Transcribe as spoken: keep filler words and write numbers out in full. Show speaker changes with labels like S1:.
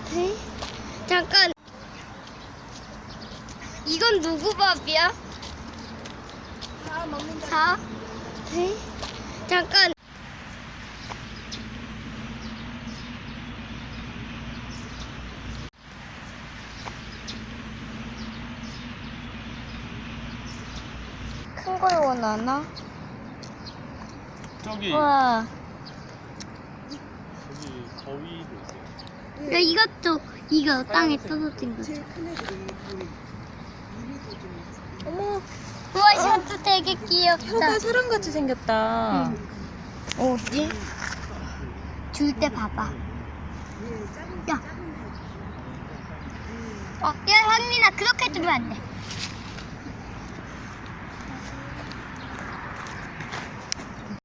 S1: 에? 잠깐. 이건 누구 밥이야?
S2: 다 먹는다.
S1: 사? 에? 잠깐. 큰 걸 원하나?
S3: 저기
S1: 와.
S3: 저기 거위도 있어요.
S1: 야, 이것도 이거 땅에 떨어진 거.
S2: 제일 큰 애들이 우리 유리도 좀 있어.
S1: 어머. 우와, 이것도 되게 귀엽다.
S4: 혀가 사람같이 생겼다.
S1: 어디? 줄 때 봐봐.
S2: 얘 작은
S1: 야.
S2: 작은 애.
S1: 어, 야, 현민아, 그렇게 두면 안 돼.